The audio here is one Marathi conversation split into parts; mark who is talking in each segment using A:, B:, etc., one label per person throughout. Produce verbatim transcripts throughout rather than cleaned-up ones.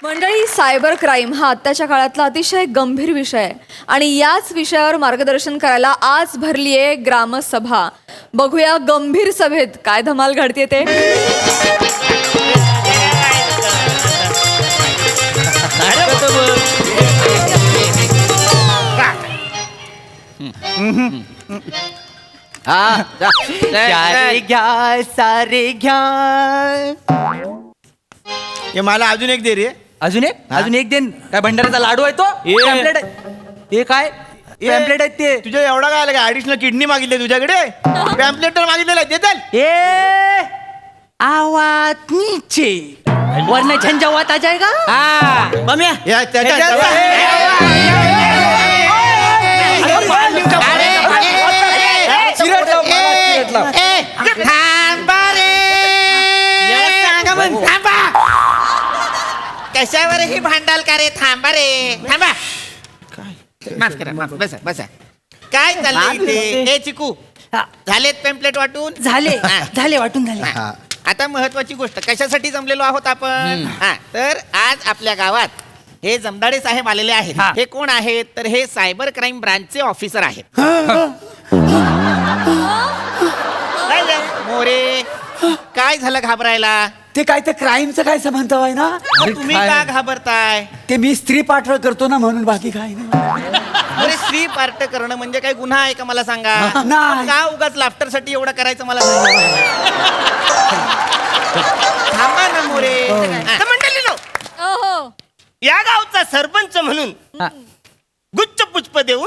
A: मंडळी, सायबर क्राईम हा आत्ताच्या काळातला अतिशय गंभीर विषय आहे आणि याच विषयावर मार्गदर्शन करायला आज भरली आहे ग्रामसभा. बघूया गंभीर सभेत काय धमाल घडते ते.
B: सारे घ्या सारे घ्या.
C: हे मला अजून एक दे रे.
B: अजून एक अजून एक देन. काय भंडाऱ्याचा लाडू आहे तो?
C: ए.
B: पॅम्पलेट आहे. हे काय पॅम्पलेट आहेत ते?
C: तुझ्या एवढा काय आला का? ऍडिशनल किडनी मागितली तुझ्याकडे? पॅम्पलेट तर मागितलेलं आहे, देताल?
B: ए आवाज नीचे वरना झंझावात आ जाएगा. हाँ बम्या
C: या, त्याच्या-
D: कशावर ही भांडाल का रे? थांबा रे, थांबा. माफ करा, माफ. बसा बसा. काय चाललंय इथे? ए चिकू, झालेत पॅम्पलेट वाटून?
B: झाले
D: हा.
B: झाले वाटून झाले.
D: हा. आता महत्वाची गोष्ट, कशासाठी जमलेलो आहोत आपण? हा, तर आज आपल्या गावात हे जमदाडे साहेब आलेले आहेत.
B: हा.
D: हे कोण आहेत? तर हे सायबर क्राईम ब्रांचचे ऑफिसर आहेत. काय झालं? मोरे, काय झालं घाबरायला?
E: ते काय ते क्राईमचं काय संबंध आहे ना?
D: तुम्ही का घाबरताय?
E: ते मी स्त्री पाठळ करतो ना म्हणून, बाकी काय नाही.
D: अरे स्त्री पार्ट करणं म्हणजे काय गुन्हा आहे का मला सांगा?
E: नाही.
D: का उगाच लाफ्टर साठी एवढं करायचं मला सांगा. थांबा ना मोरे.
F: तर मंडळीनो,
A: ओहो.
F: या गावचा सरपंच म्हणून गुच्छ पुष्प देऊन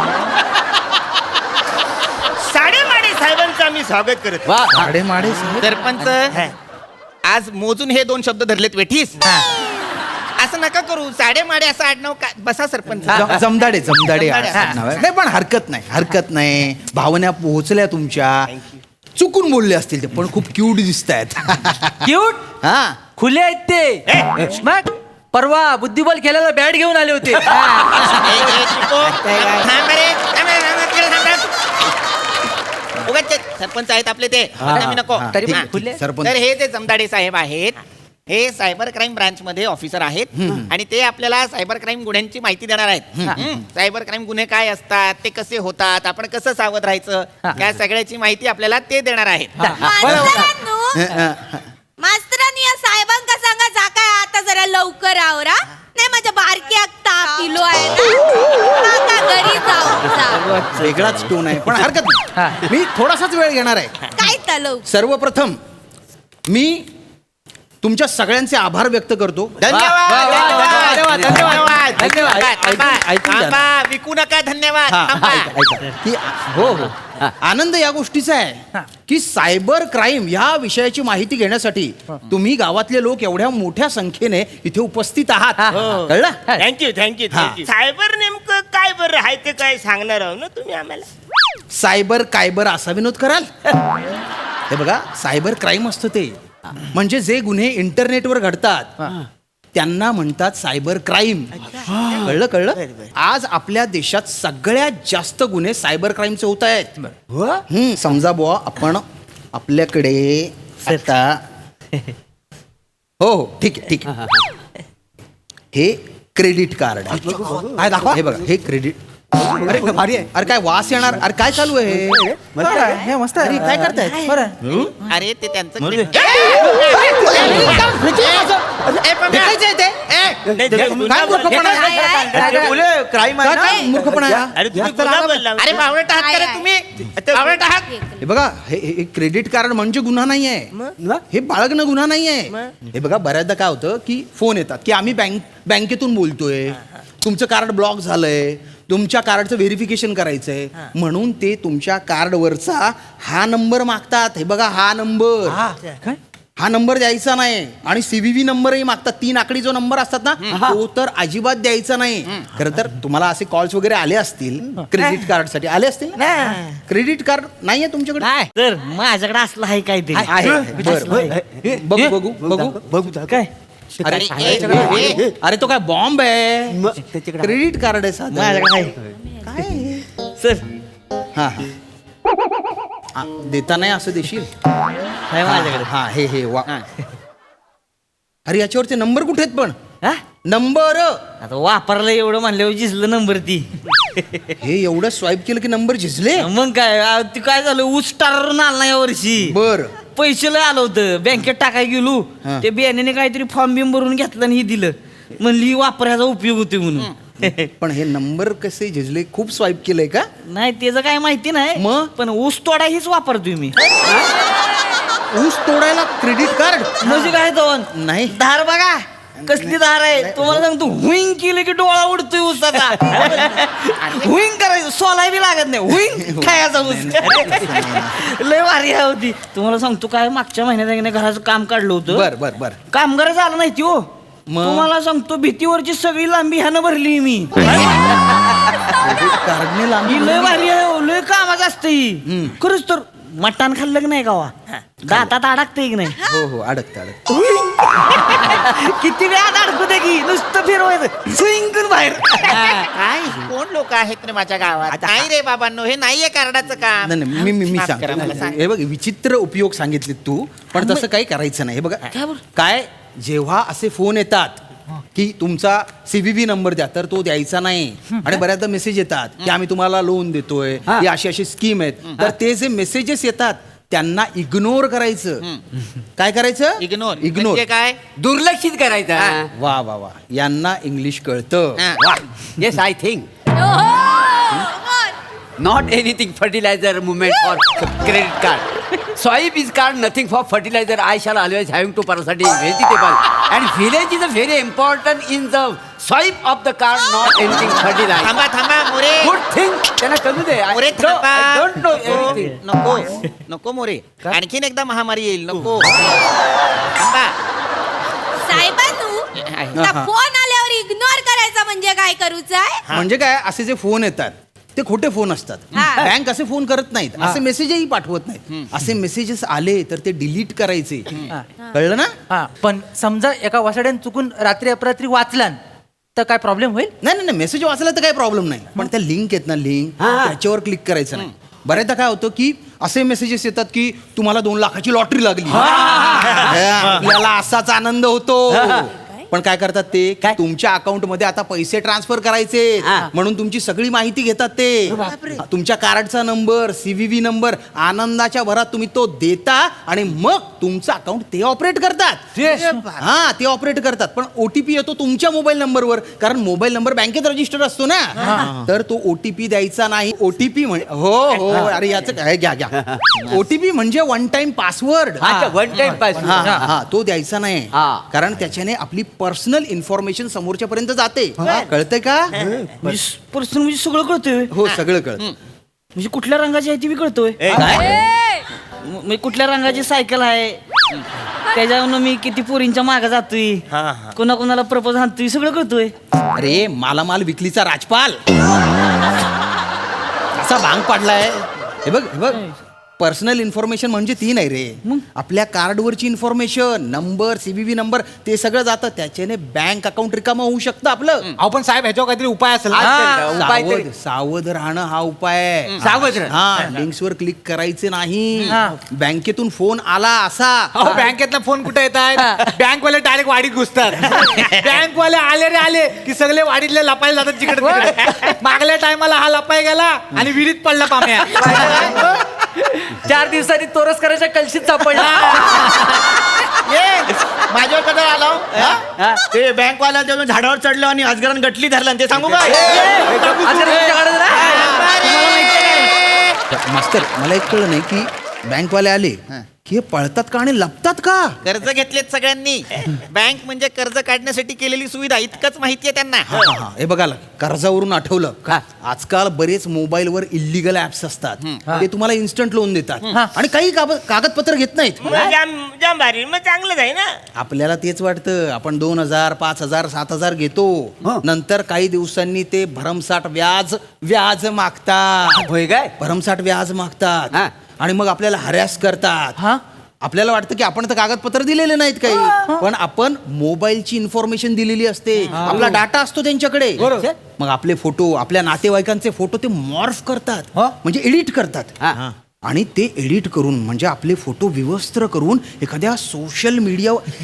F: साडेमाडे साहेबांचं आम्ही स्वागत करत आहोत.
D: सरपंच, आज मोजून हे दोन शब्द धरलेत वेठीस. असं नका करू. साडेमाडे असं आडनाव का? बसा सरपंच.
G: ज- जमदाडे जमदाडे
D: जमदाडे.
G: असं नाव आहे. नाही पण हरकत नाही हरकत नाही. भावना पोहोचल्या तुमच्या. चुकून बोलले असतील ते, पण खूप क्यूट दिसत आहेत.
B: क्यूट
G: हा
B: खुले आहेत ते. मग परवा बुद्धिबल खेळायला बॅट घेऊन आले होते.
D: ए, ए, चिको, थांब रे. थांब रे, थांब रे, तिकडे थांब रे. उगाच ते सरपंच आहेत आपले ते. आम्ही नको.
G: हा,
B: तरी
G: ठीक
D: हा.
G: आहे, ठीक आहे. सरपंच
D: तर हे जे जमदाडे साहेब आहेत, हे सायबर क्राईम ब्रांच मध्ये ऑफिसर आहेत आणि ते आपल्याला सायबर क्राईम गुन्ह्यांची माहिती देणार आहेत. हम्म. सायबर क्राईम गुन्हे काय असतात, ते कसे होतात, आपण कसं सावध राहायचं, या सगळ्याची माहिती आपल्याला ते देणार आहेत.
H: मास्तरांनी या साहेबांका सांगा जाका आता जरा लवकर आवरा. नाही माझ्या बारक्या ताप किलो आहे ना, काका घरी जाऊ.
G: वेगळाच टोन आहे, पण हरकत नाही. मी थोडासाच वेळ घेणार आहे.
H: काय तलव?
G: सर्वप्रथम मी तुमच्या सगळ्यांचे आभार व्यक्त करतो.
D: धन्यवाद.
B: वा, वा, वा,
D: धन्यवाद.
B: धन्यवाद.
D: धन्यवाद.
B: धन्यवाद.
D: थांबा, थांबा,
G: ऐकून घ्या.
D: थांबा. विकू नका. धन्यवाद.
G: हा,
D: थांबा.
G: ऐका, ऐका. की हो हो आनंद या गोष्टीचा आहे की सायबर क्राईम या विषयाची माहिती घेण्यासाठी तुम्ही गावातले लोक एवढ्या मोठ्या संख्येने इथे उपस्थित आहात. कळलं?
F: Thank you thank you thank you. सायबर नेमकं काय बरं आहे ते काय सांगणार आहो ना तुम्ही आम्हाला?
G: सायबर कायबर असा विनोद कराल? हे बघा, सायबर क्राईम असतं ते म्हणजे जे गुन्हे इंटरनेटवर घडतात त्यांना म्हणतात सायबर क्राईम. कळलं कळलं आज आपल्या देशात सगळ्यात जास्त गुन्हे सायबर क्राईमचे होत आहेत. हम्म, समजा बुवा आपण आपल्याकडे आता हो हो ठीक आहे ठीक आहे. हे क्रेडिट कार्ड आहे. दाखवा. हे बघा, हे क्रेडिट. अरे भारी आहे. अरे काय वास येणार. अरे काय चालू आहे?
B: हे मस्त
G: अरे काय करताय?
D: अरे ते त्यांचं
G: ए, भेटायचं आहे ते?
F: नाही, ते गुन्हा
G: काय मूर्खपणा आहे?
F: काय आहे?
C: क्राईम
G: काय काय मूर्खपणा आहे?
F: अरे तुम्ही गुन्हा बोलला.
D: अरे बावळट आहात का रे तुम्ही? बावळट आहात.
G: हे बघा, हे हे क्रेडिट कार्ड म्हणजे गुन्हा नाही आहे. हे बाळगणं गुन्हा नाही आहे. हे बघा, बऱ्याचदा काय होतं की फोन येतात की आम्ही बँक बँकेतून बोलतोय, तुमचं कार्ड ब्लॉक झालंय, तुमच्या कार्डचं व्हेरिफिकेशन करायचंय म्हणून ते तुमच्या कार्डवरचा हा नंबर मागतात. हे बघा, हा नंबर हा नंबर द्यायचा नाही आणि सीव्हीव्ही नंबरही मागतात. तीन आकडी जो नंबर असतात ना, तो तर अजिबात द्यायचा नाही. खरं तर तुम्हाला असे कॉल्स वगैरे आले असतील क्रेडिट कार्ड साठी, आले असतील. क्रेडिट कार्ड नाहीये तुमच्याकडे?
B: नाही तर माझ्याकडे असलं आहे काय ते.
G: आहे. बरं, बरं. बघू बघू बघू
B: बघू काय
G: अरे
D: ए, ए,
G: अरे तो काय बॉम्ब आहे? क्रेडिट कार्ड आहे साधं.
B: माझ्याकडे
G: काय
B: सर
G: हा हा आ, देता नाही असं देशील?
B: माझ्याकडे
G: हा हे हे वा. अरे याच्यावरचे नंबर कुठे आहेत पण?
B: हा?
G: नंबर
B: आता वापरला एवढं म्हणल्यावर जिजलं नंबर ती
G: हे एवढं स्वाईप केलं की नंबर झिजले
B: मग काय आ, ती काय झालं ऊस स्टार आला ना या वर्षी
G: बर
B: पैसे लय आलं होतं बँकेत टाकाय गेलो
G: हा.
B: ते बियाण्याने काहीतरी फॉर्म बिम भरून घेतलं आणि हे दिलं म्हणली वापरायचा उपयोग होतोय म्हणून
G: पण हे नंबर कसे झिजले खूप स्वाईप केलंय का
B: नाही त्याचं काय माहिती नाही
G: मग?
B: पण ऊस तोडा हीच वापरतोय मी
G: ऊस तोडायला क्रेडिट कार्ड
B: म्हणजे काय दोन
G: नाही
B: धार बघा कसली धार आहे तुम्हाला सांगतो हुईंग केलं की डोळा उडतोय ऊसाचा हुईंग करायचं सोलाय बी लागत नाही हुईंग खायचा ऊस लय भारी आहे होती तुम्हाला सांगतो काय मागच्या महिन्यात एकदा घराचं काम काढलं होतं
G: बर बर बर
B: कामगार झालं नाही ती हो
G: मग?
B: तुम्हाला सांगतो भीतीवरची सगळी लांबी ह्यानं भरली मी
G: कार्डने लांबी
B: ही लय भारी आहे हो, लय कामाचं असतं ही खरंच तर मटण खाल्लं की नाही गावा दातात अडकतंय की नाही
G: हो हो अडकत अडकत
B: किती वेळात अडकू दे की नुसतं फिरवायचं स्विंग बाहेर
D: काय कोण लोक आहेत रे माझ्या गावात नाही रे बाबांनो हे नाहीये कार्डाचं काम
G: नाही नाही, मी मी मी
D: माफ करा, मला
G: सांगतो
D: सांग.
G: हे बघ विचित्र उपयोग सांगितले तू पण तसं काही करायचं नाही हे बघा
B: काय बरं?
G: काय जेव्हा असे फोन येतात की तुमचा सीव्हीव्ही नंबर द्या तर तो द्यायचा नाही आणि बऱ्याचदा मेसेज येतात की आम्ही तुम्हाला लोन देतोय ही अशी अशी स्कीम आहेत तर ते जे मेसेजेस येतात त्यांना इग्नोर करायचं काय करायचं
D: इग्नोर
G: इग्नोर
D: म्हणजे काय
E: दुर्लक्षित करायचं
G: वा वा वा यांना इंग्लिश कळतं
D: हा.
E: वा yes I think not anything fertilizer movement or credit card. Swipe is card nothing for fertilizer. I shall always having to parasite vegetable. And village is a very important in the swipe of the card, not anything fertilizer.
D: थांबा थांबा मोरे
E: Good thing. त्यांना कळू दे. I,
D: मोरे
E: no,
D: थांबा
E: I don't know anything.
D: नको नको मोरे आणखीन एकदा महामारी येईल नको थांबा
H: साहेबांनू फोन आल्यावर इग्नोर करायचा म्हणजे काय करूच आहे
G: म्हणजे काय असे जे फोन येतात ते खोटे फोन असतात
H: हा.
G: बँक असे फोन करत नाहीत असे मेसेजही पाठवत नाहीत असे मेसेजेस आले तर ते डिलीट करायचे कळलं ना
B: हा पण समजा एका वासाड्यानं चुकून रात्री अपरात्री वाचलान तर काय प्रॉब्लेम होईल
G: नाही नाही मेसेज वाचला तर काही प्रॉब्लेम नाही पण त्या लिंक आहेत ना लिंक त्याच्यावर क्लिक करायचं नाही बऱ्याचदा काय होतं की असे मेसेजेस येतात की तुम्हाला दोन लाखाची लॉटरी लागली आपल्याला असाच आनंद होतो पण काय करतात ते
E: काय?
G: तुमच्या अकाउंट मध्ये आता पैसे ट्रान्सफर करायचे
E: हा.
G: म्हणून तुमची सगळी माहिती घेतात ते तुमच्या कार्डचा नंबर सीव्हीव्ही नंबर आनंदाच्या भरात तुम्ही तो देता आणि मग तुमचं अकाउंट ते ऑपरेट करतात हा ते ऑपरेट करतात पण ओटीपी येतो तुमच्या मोबाईल नंबरवर कारण मोबाईल नंबर बँकेत रजिस्टर असतो ना तर तो ओटीपी द्यायचा नाही ओटीपी म्हणजे हो हो अरे याचं काय घ्या घ्या ओटीपी म्हणजे वन टाइम पासवर्ड
E: अच्छा वन टाइम पास.
G: हा हा, हा तो द्यायचा नाही
E: हा.
G: कारण त्याच्याने आपली पर्सनल इन्फॉर्मेशन समोरच्या पर्यंत जाते कळतंय का
B: पर्सन म्हणजे सगळं कळतोय
G: हो सगळं कळत
B: म्हणजे कुठल्या रंगाची आहे ती बी कळतोय म- म्हणजे कुठल्या रंगाची सायकल आहे त्याच्यावरून मी किती पोरींच्या मागे जातोय कोणा कोणाला प्रपोज आणतोय सगळं कळतोय
G: अरे मालामाल विकलीचा राजपाल असा भांग पाडलाय हे बघ हे बघ पर्सनल इन्फॉर्मेशन म्हणजे ती नाही रे आपल्या कार्डवरची इन्फॉर्मेशन नंबर सीव्हीव्ही नंबर ते सगळं जातं त्याच्याने बँक अकाउंट रिकामा होऊ शकतं आपलं
C: अहो पण साहेब ह्याच्यावर काहीतरी उपाय असेल
E: हा, उपाय तरी-
G: सावध सावध राहणं हा उपाय आहे.
E: सावध राहणं.
G: हा लिंक्स वर क्लिक करायचे नाही बँकेतून फोन आला असा
C: अहो बँकेतला फोन कुठे येत आहेत बँकवाले डायरेक्ट वाडीत घुसतात बँकवाले आले रे आले की सगळे वाडीतले लपायला जातात जिकडे तिकडे. मागल्या टायमाला हा लपाय गेला आणि विहिरीत पडला पाम्या
B: चार दिवसांनी तोरस करायच्या कलशीत सापडला
C: ये माझ्यावर कधी आलो ते बँकवाला तेव्हा झाडावर चढलो आणि अजगरान गटली धरला ते सांगू काय
G: मास्तर मला एक कळलं नाही की बँकवाले आले की हे पळतात का आणि लपतात का
D: कर्ज घेतलेत सगळ्यांनी बँक म्हणजे कर्ज काढण्यासाठी केलेली सुविधा इतकंच माहितीये त्यांना
G: हा, हा, हे बघा कर्जावरून आठवलं का आजकाल बरेच मोबाईलवर इलिगल ऍप्स असतात ते तुम्हाला इन्स्टंट लोन देतात आणि काही काब- कागदपत्र घेत नाहीत
F: मग जाम जाम भारी मग चांगलंच आहे ना
G: आपल्याला तेच वाटतं आपण दोन हजार पाच हजार सात हजार घेतो नंतर काही दिवसांनी ते भरमसाठ व्याज व्याज मागतात
E: होय काय
G: भरमसाठ व्याज मागतात
E: हा.
G: आणि मग आपल्याला हॅरॅस करतात आपल्याला वाटतं की आपण तर कागदपत्र दिलेले नाहीत काही पण आपण मोबाईलची इन्फॉर्मेशन दिलेली असते आपला डाटा असतो त्यांच्याकडे मग आपले फोटो आपल्या नातेवाईकांचे फोटो ते मॉर्फ करतात म्हणजे एडिट करतात
E: हा.
G: आणि ते एडिट करून म्हणजे आपले फोटो विवस्त्र करून एखाद्या सोशल मीडिया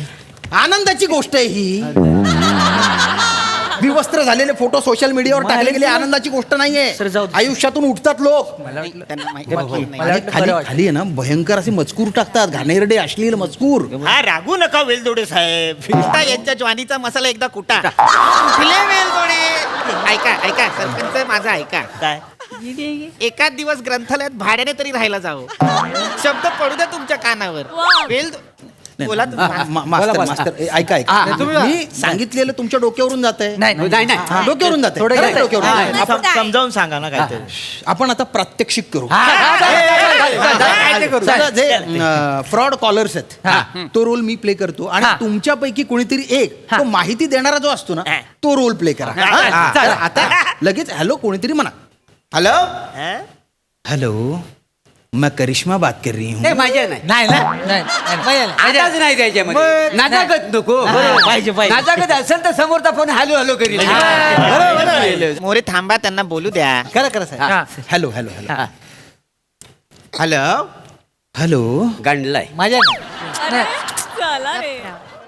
G: आनंदाची गोष्ट आहे ही. विवस्त्र झालेले फोटो सोशल मीडियावर टाकले गेले आनंदाची गोष्ट नाहीये.
B: सर, जाऊ दे.
G: आयुष्यातून उठतात लोक
D: त्यांना माहिती नाही.
G: आणि खाली खाली आहे ना भयंकर असे मजकूर टाकतात, घाणेरडे अश्लील मजकूर.
F: हा रागू नका वेलदोडे साहेब.
D: कुठा यांच्या ज्वानीचा मसाला एकदा कुठा कुठले वेलदोडे. ऐका ऐका सरपंच माझा ऐका.
F: काय
D: एकाच दिवस ग्रंथालयात भाड्याने तरी राहायला जावं. शब्द पडू द्या तुमच्या कानावर. वेल बोला तुम्ही.
G: मा- मास्तर मास्तर ए, ऐका ऐका मी सांगितलेलं तुमच्या डोक्यावरून जात आहे.
B: नाही
E: नाही नाही
G: डोक्यावरून जाते
B: थोडं काय-
G: डोक्यावरून
B: हा,
G: जातंय.
B: सम- समजावून सांगा ना काहीतरी.
G: आपण आता प्रात्यक्षिक करू.
B: काय ते करू?
G: समजा जे फ्रॉड कॉलर्स आहेत तो रोल मी प्ले करतो आणि तुमच्यापैकी कोणीतरी एक तो माहिती देणारा जो असतो ना तो रोल प्ले करा. हा? तर आता लगेच हॅलो कोणीतरी म्हणा. हॅलो
F: हा?
G: हॅलो मैं करिश्मा बात कर रही
E: ते
G: हूँ.
E: माझ्या नाही
B: नाही ना नाही, नाही.
E: आताच नाही त्याच्यामध्ये नाजागत नको.
B: पाहिजे, पाहिजे.
E: नाजागत असेल तर समोरचा फोन हॅलो हॅलो करील.
D: मोरे थांबा त्यांना बोलू द्या.
B: करा करा साहेब.
E: हा.
G: Hello hello hello hello hello
E: गांडलाय
B: माझ्या नाही.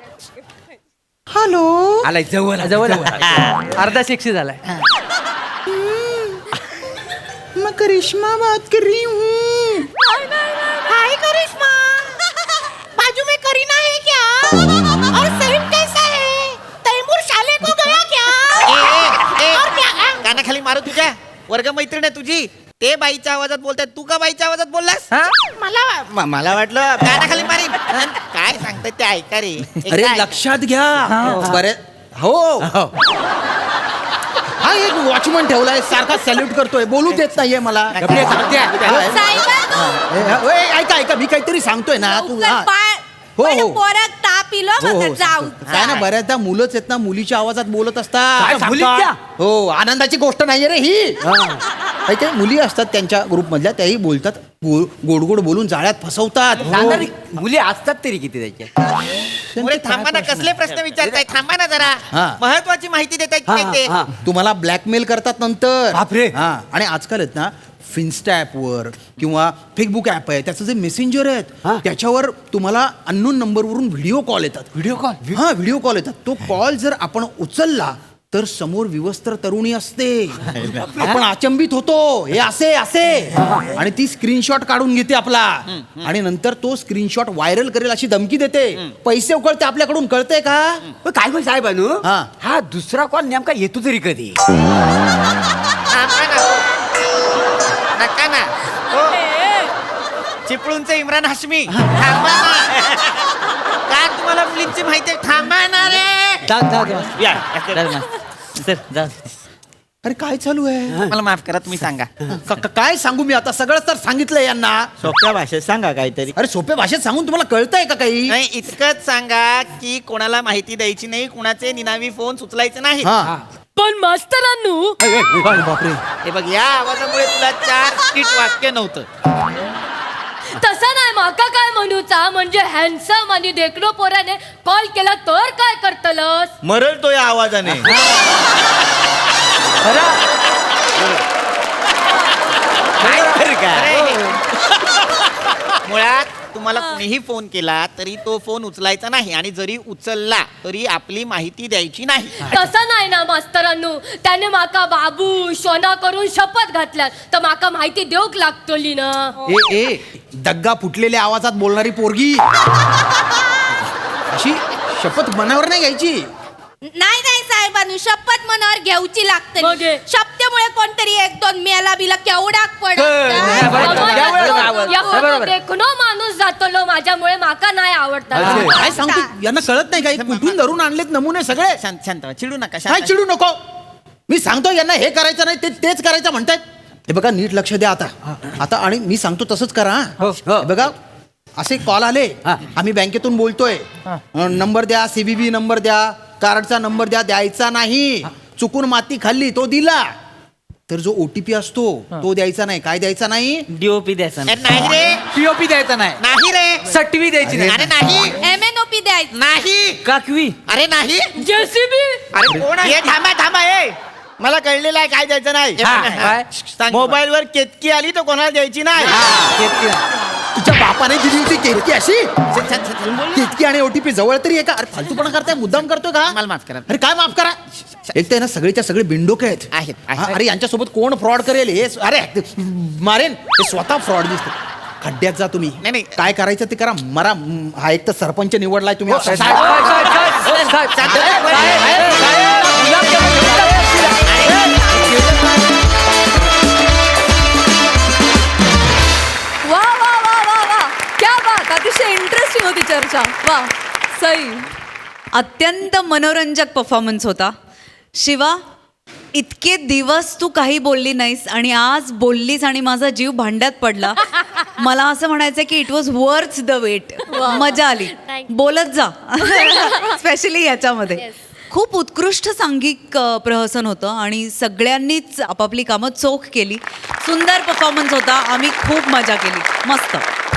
G: हॅलो
E: आलाय जवळ
B: जवळ अर्धा शिक्षी झालाय.
G: मैं करिश्मा बात कर रही हूँ.
H: हाय करिश्मा, बाजू में करीना है क्या? और सलीम कैसा है? तैमूर शाले को गया क्या?
D: ए, ए,
H: और क्या?
D: कानाखाली मारू तुझ्या. वर्ग मैत्रीण आहे तुझी. ते बाईच्या आवाजात बोलताय, तू का बाईच्या आवाजात बोललास?
H: मला
D: म- मला वाटलं कानाखाली मारीन. काय सांगताय ते ऐका रे.
G: अरे
D: एकदा ऐका.
G: लक्षात घ्या बरे हो हा एक वॉचमन ठेवलाय सारखा सॅल्यूट करतोय बोलू देत नाहीये मला.
D: नक्की सांगते.
H: साहेब,
G: ए, ऐका ऐका मी काहीतरी सांगतोय ना तू हा. हो, हो.
H: पोरात ताप इलो
G: हो
H: मग
G: हो
H: जाऊ.
G: काय ना बऱ्याचदा मुलंच आहेत ना मुलीच्या आवाजात बोलत
E: काय
G: असतात.
E: मुलीच्या?
G: हो आनंदाची गोष्ट नाहीये रे ही. काही काही मुली असतात त्यांच्या ग्रुप मधल्या त्याही बोलतात गो- गोड गोड बोलून जाळ्यात फसवतात.
E: सांगा रे, मुली असतात तरी किती त्याच्या.
D: मोरे थांबा ना. कसले प्रश्न विचारताय? थांबा ना जरा.
G: हा.
D: महत्वाची माहिती देतायत
E: हा,
D: काय ते.
E: हा.
G: तुम्हाला ब्लॅकमेल करतात नंतर.
E: बापरे.
G: हा आणि आजकाल आहेत ना फिन्स्टा ॲपवर किंवा फेसबुक ॲप आहे त्याचं जे मेसेंजर आहेत
E: हा.
G: त्याच्यावर तुम्हाला अननोन नंबरवरून व्हिडिओ कॉल येतात.
E: व्हिडिओ कॉल
G: हा व्हिडिओ कॉल येतात. तो कॉल जर आपण उचलला तर समोर विवस्त्र तरुणी असते. आपण अचंबित होतो हे असे असे आणि ती स्क्रीनशॉट काढून घेते आपला आणि नंतर तो स्क्रीनशॉट व्हायरल करेल अशी धमकी देते. पैसे उकळते आपल्याकडून. कळतंय का?
E: पण काय पण साहेब अनु
G: हा.
E: हा दुसरा कॉल नेमका येतो तरी कधी.
D: थांबा ना. नका ना. हो. चिपळूणचे इम्रान हाशमी. थांबा ना. का तुम्हाला मुलींची माहिती आहे? थांबा ना रे.
B: जा जा जा.
F: या.
B: जा ना. सर जा.
G: अरे काय चालू आहे?
D: मला माफ करा तुम्ही सांगा.
G: क- क- काय सांगू मी आता सगळं तर सांगितलंय यांना.
B: सोप्या भाषेत सांगा काहीतरी.
G: अरे सोप्या भाषेत सांगून तुम्हाला कळतंय का काही?
D: नाही इतकंच सांगा की कोणाला माहिती द्यायची नाही, कुणाचे निनावी फोन सुचलायचे नाही.
G: हा
H: पण मास्तरांनू
G: बापरे.
D: हे बघ या आवाजामुळे तुला चार स्किट वाक्य नव्हतं.
I: तसं नाही माका काय म्हणूचा म्हणजे हॅन्डसम आणि देखणो पोराने कॉल केला तर काय करतलस.
B: मरळतो या आवाजाने.
D: काय तर काय? मुळात तुम्हाला कुणीही फोन केला तरी तो फोन उचलायचा नाही आणि जरी उचलला तरी आपली माहिती द्यायची नाही.
I: तसं नाही ना मास्तरांनू. त्याने माका बाबू सोना करून शपथ घातल्यात तर माका माहिती देऊक लागतली ना.
G: ए ए दग्गा फुटलेल्या आवाजात बोलणारी पोरगी अशी शपथ मनावर नाही घ्यायची.
H: नाही नाही साहेबांनी शपथ मनावर घ्यायची लागते.
I: मग हे?
H: शपथेमुळे कोणतरी एक दोन मेला बिला केवढाक पडत.
I: देखणो माणूस जातलो माझ्यामुळे माका नाही आवडतात.
G: काय सांगतो यांना कळत नाही काही कुठून धरून आणलेत नमुने सगळे.
D: शांत शांत व्हा. चिडू नका.
G: काय
D: शांत.
G: चिडू नको. मी सांगतो यांना हे करायचं नाही ते तेच करायचं म्हणतायत. हे बघा नीट लक्ष द्या आता आता आणि मी सांगतो तसंच करा. हा. हे बघा असे कॉल आले आम्ही बँकेतून बोलतोय नंबर द्या सीबीबी नंबर द्या कार्डचा नंबर द्या. द्यायचा नाही. चुकून माती खाल्ली तो दिला तर जो ओटीपी असतो तो द्यायचा नाही. काय द्यायचा नाही?
B: डीओपी द्यायचा
D: अरे नाही रे.
B: पीओपी द्यायचा नाही.
D: नाही रे.
E: सटवी द्यायची नाही.
D: अरे नाही.
H: एम एन ओ पी द्यायचं.
D: नाही.
B: काकवी.
D: अरे नाही.
I: जेसीबी
D: अरे कोण आहे?
B: हे थांबा थांबा ए मला कळलेलं आहे काय द्यायचं नाही.
D: हा, काय?
B: मोबाईल वर केतकी आली तर कोणाला द्यायची नाही.
G: तुझ्या बापाने दिली होती केतकी अशी केतकी आणि ओटीपी जवळ तरी आहे का? अरे फालतूपणा करताय, मुद्दाम करतोय का?
D: मला माफ करा.
G: अरे काय माफ करा? एक तर आहे ना सगळेच्या सगळे बिंडोके आहेत.
D: आहेत, आहेत.
G: हा, अरे यांच्यासोबत कोण फ्रॉड करेल हे? अरे मारेन हे स्वतः फ्रॉड दिसते. खड्ड्यात जा तुम्ही.
D: नाही, नाही.
G: काय करायचं ते करा. मरा म, हा एक तर सरपंच निवडलाय तुम्ही.
E: साहेब, साहेब, साहेब, साहेब, साहेब, साहेब, साहेब,
A: वा वा वा वा वा क्या बात, अतिशय इंटरेस्टिंग होती चर्चा. वा सई.
J: अत्यंत मनोरंजक परफॉर्मन्स होता. शिवा, इतके दिवस तू काही बोलली नाहीस आणि आज बोललीस आणि माझा जीव भांड्यात पडला. मला असं म्हणायचं की it was worth the wait. मजा आली.
I: Thank you.
J: बोलत जा स्पेशली याच्यामध्ये. खूप उत्कृष्ट सांघिक अ, प्रहसन होतं आणि सगळ्यांनीच आपापली कामं चोख केली. सुंदर परफॉर्मन्स होता. आम्ही खूप मजा केली. मस्त.